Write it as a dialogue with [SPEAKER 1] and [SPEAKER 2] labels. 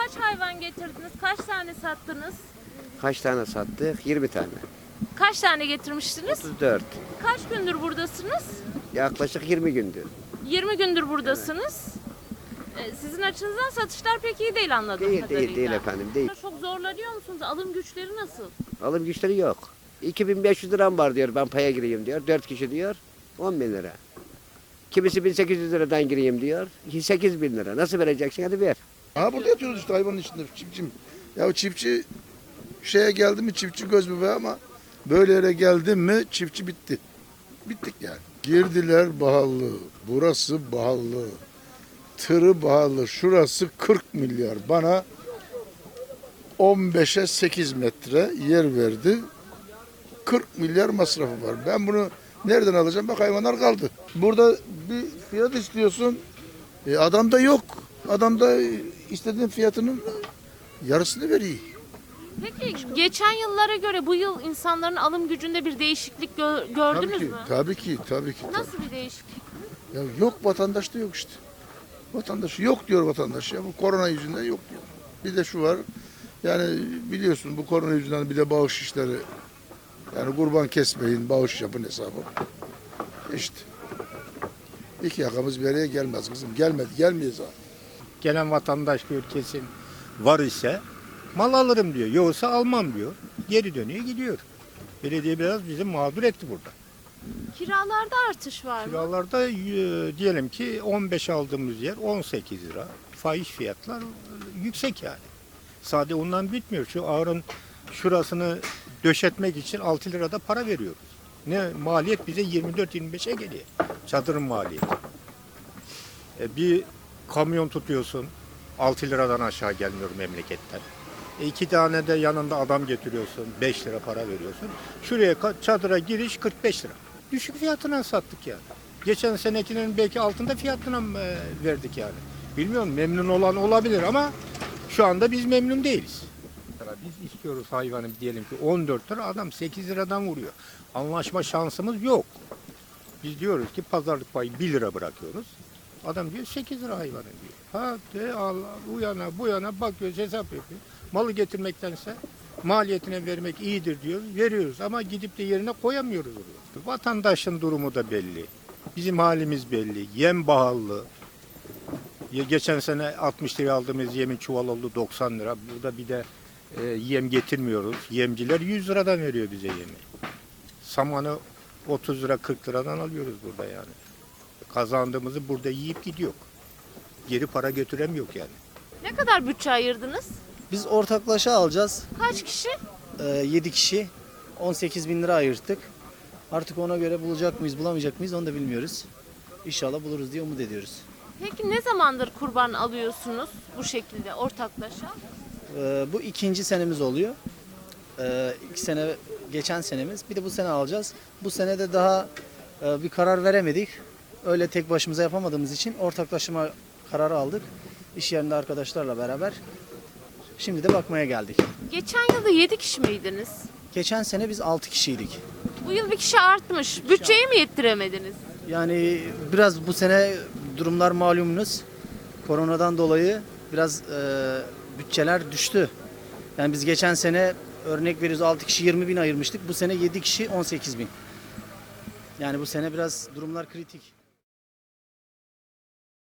[SPEAKER 1] Kaç hayvan getirdiniz? Kaç tane sattınız?
[SPEAKER 2] Kaç tane sattık? 20 tane.
[SPEAKER 1] Kaç tane getirmiştiniz?
[SPEAKER 2] 34.
[SPEAKER 1] Kaç gündür buradasınız?
[SPEAKER 2] Yaklaşık 20 gündür.
[SPEAKER 1] 20 gündür buradasınız. Sizin açınızdan satışlar pek iyi değil anladığım
[SPEAKER 2] Değil,
[SPEAKER 1] kadarıyla.
[SPEAKER 2] değil efendim, değil.
[SPEAKER 1] Çok zorlanıyor musunuz? Alım güçleri nasıl?
[SPEAKER 2] Alım güçleri yok. 2500 liram var diyor, ben paya gireyim diyor. 4 kişi diyor, 10 bin lira. Kimisi 1800 liradan gireyim diyor, 8 bin lira. Nasıl vereceksin, hadi ver.
[SPEAKER 3] Ha burada yatıyoruz işte hayvanın içinde çiftçim. Ya çiftçi şeye geldi mi çiftçi göz bebeği ama böyle yere geldi mi çiftçi bitti. Bittik yani. Girdiler pahalı, burası pahalı, tırı pahalı, şurası 40 milyar. Bana 15'e 8 metre yer verdi. 40 milyar masrafı var. Ben bunu nereden alacağım? Bak hayvanlar kaldı. Burada bir fiyat istiyorsun. Adam da yok. Adam da istediğin fiyatının yarısını veriyor.
[SPEAKER 1] Peki geçen yıllara göre bu yıl insanların alım gücünde bir değişiklik gördünüz
[SPEAKER 3] Tabii ki,
[SPEAKER 1] mü?
[SPEAKER 3] tabii ki, tabii ki.
[SPEAKER 1] Nasıl bir değişiklik?
[SPEAKER 3] Ya yok vatandaşta yok işte. Vatandaş yok diyor vatandaş ya. Bu korona yüzünden yok diyor. Bir de şu var. Yani biliyorsun bu korona yüzünden bir de bağış işleri. Yani kurban kesmeyin, bağış yapın hesabı. İşte. İki yakamız bir araya gelmez kızım. Gelmedi, gelmeyiz zaten.
[SPEAKER 4] Gelen vatandaş diyor kesin var ise mal alırım diyor. Yoksa almam diyor. Geri dönüyor gidiyor. Belediye biraz bizi mağdur etti burada.
[SPEAKER 1] Kiralarda artış var mı?
[SPEAKER 4] Kiralarda diyelim ki 15 aldığımız yer 18 lira. Fahiş fiyatlar yüksek yani. Sade ondan bitmiyor. Şu ağırın şurasını döşetmek için 6 lirada para veriyoruz. Ne maliyet bize 24-25'e geliyor. Çadırın maliyeti. Bir kamyon tutuyorsun 6 liradan aşağı gelmiyor memleketten. 2 tane de yanında adam getiriyorsun 5 lira para veriyorsun. Şuraya çadıra giriş 45 lira. Düşük fiyatına sattık yani. Geçen senekinin belki altında fiyatına verdik yani. Bilmiyorum memnun olan olabilir ama şu anda biz memnun değiliz. Biz istiyoruz hayvanı diyelim ki 14 lira adam 8 liradan vuruyor. Anlaşma şansımız yok. Biz diyoruz ki pazarlık payı 1 lira bırakıyoruz. Adam diyor 8 lira hayvanı diyor. Hadi Allah bu yana bakıyoruz hesap yapıyor. Malı getirmektense maliyetine vermek iyidir diyoruz. Veriyoruz ama gidip de yerine koyamıyoruz oraya. Vatandaşın durumu da belli. Bizim halimiz belli. Yem pahalı. Geçen sene 60 lira aldığımız yemin çuval oldu 90 lira. Burada bir de yem getirmiyoruz. Yemciler 100 liradan veriyor bize yemi. Samanı 30 lira 40 liradan alıyoruz burada yani. Kazandığımızı burada yiyip gidiyor. Geri para götüremiyor yani.
[SPEAKER 1] Ne kadar bütçe ayırdınız?
[SPEAKER 5] Biz ortaklaşa alacağız.
[SPEAKER 1] Kaç kişi?
[SPEAKER 5] 7 kişi 18 bin lira ayırttık. Artık ona göre bulacak mıyız bulamayacak mıyız onu da bilmiyoruz. İnşallah buluruz diye umut ediyoruz.
[SPEAKER 1] Peki ne zamandır kurban alıyorsunuz bu şekilde ortaklaşa?
[SPEAKER 5] Bu ikinci senemiz oluyor. 2 sene geçen senemiz. Bir de bu sene alacağız. Bu sene de daha bir karar veremedik. Öyle tek başımıza yapamadığımız için ortaklaşma kararı aldık. İş yerinde arkadaşlarla beraber. Şimdi de bakmaya geldik.
[SPEAKER 1] Geçen yılda 7 kişi miydiniz?
[SPEAKER 5] Geçen sene biz 6 kişiydik.
[SPEAKER 1] Bu yıl bir kişi artmış. Bütçeyi mi yettiremediniz?
[SPEAKER 5] Yani biraz bu sene durumlar malumunuz. Koronadan dolayı biraz bütçeler düştü. Yani biz geçen sene örnek veriyoruz 6 kişi 20 bin ayırmıştık. Bu sene 7 kişi 18 bin. Yani bu sene biraz durumlar kritik.